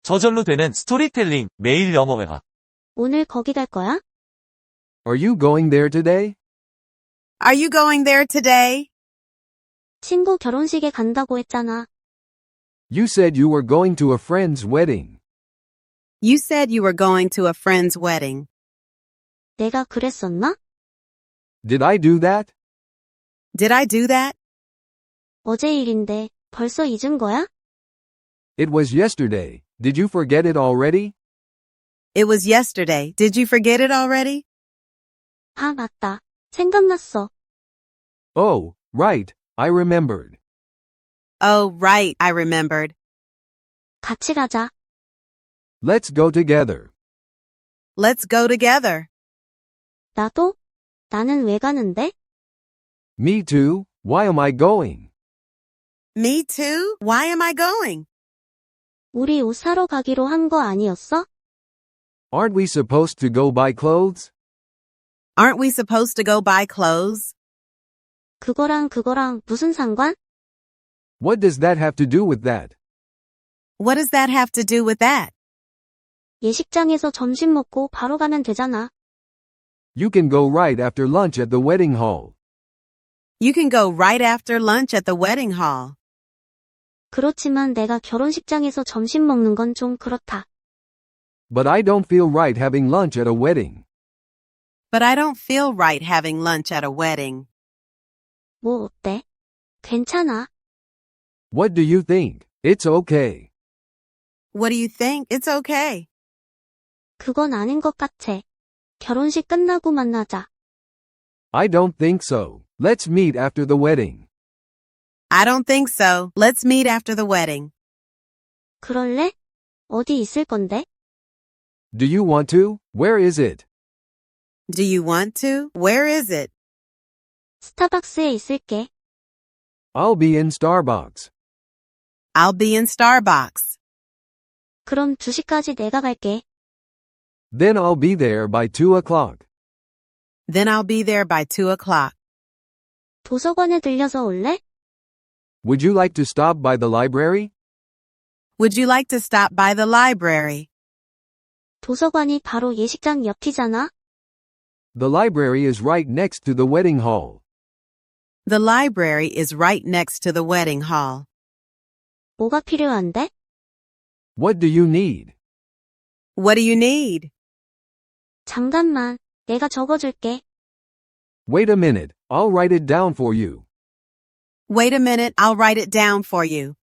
저절로 되는 스토리텔링 매일 영어 회화. 오늘 거기 갈 거야? Are you going there today? Are you going there today? 친구 결혼식에 간다고 했잖아. You said you were going to a friend's wedding. You said you were going to a friend's wedding. 내가 그랬었나? Did I do that? Did I do that? 어제 일인데 벌써 잊은 거야? It was yesterday. Did you forget it already? It was yesterday. Did you forget it already? 아, 맞다. 생각났어. Oh, right. I remembered. Oh, right, I remembered. 같이 가자. Let's go together. Let's go together. 나도? 나는 왜 가는데? Me too. Why am I going? Me too? Why am I going? 우리 옷 사러 가기로 한 거 아니었어? Aren't we supposed to go buy clothes? Aren't we supposed to go buy clothes? 그거랑 무슨 상관? What does that have to do with that? What does that have to do with that? 예식장에서 점심 먹고 바로 가면 되잖아. You can go right after lunch at the wedding hall. You can go right after lunch at the wedding hall. 그렇지만 내가 결혼식장에서 점심 먹는 건 좀 그렇다. But I don't feel right having lunch at a wedding. But I don't feel right having lunch at a wedding. 뭐 어때? 괜찮아. What do you think? It's okay. What do you think? It's okay. 그건 아닌 것 같아. 결혼식 끝나고 만나자. I don't think so. Let's meet after the wedding. I don't think so. Let's meet after the wedding. 그럴래? 어디 있을 건데? Do you want to? Where is it? Do you want to? Where is it? 스타벅스에 있을게. I'll be in Starbucks. I'll be in Starbucks. 그럼 2시까지 내가 갈게. Then I'll be there by 2 o'clock. Then I'll be there by 2 o'clock. 도서관에 들려서 올래? Would you like to stop by the library? Would you like to stop by the library? 도서관이 바로 예식장 옆이잖아. The library is right next to the wedding hall. The library is right next to the wedding hall. 뭐가 필요한데? What do you need? What do you need? 잠깐만, 내가 적어줄게. Wait a minute, I'll write it down for you. Wait a minute, I'll write it down for you.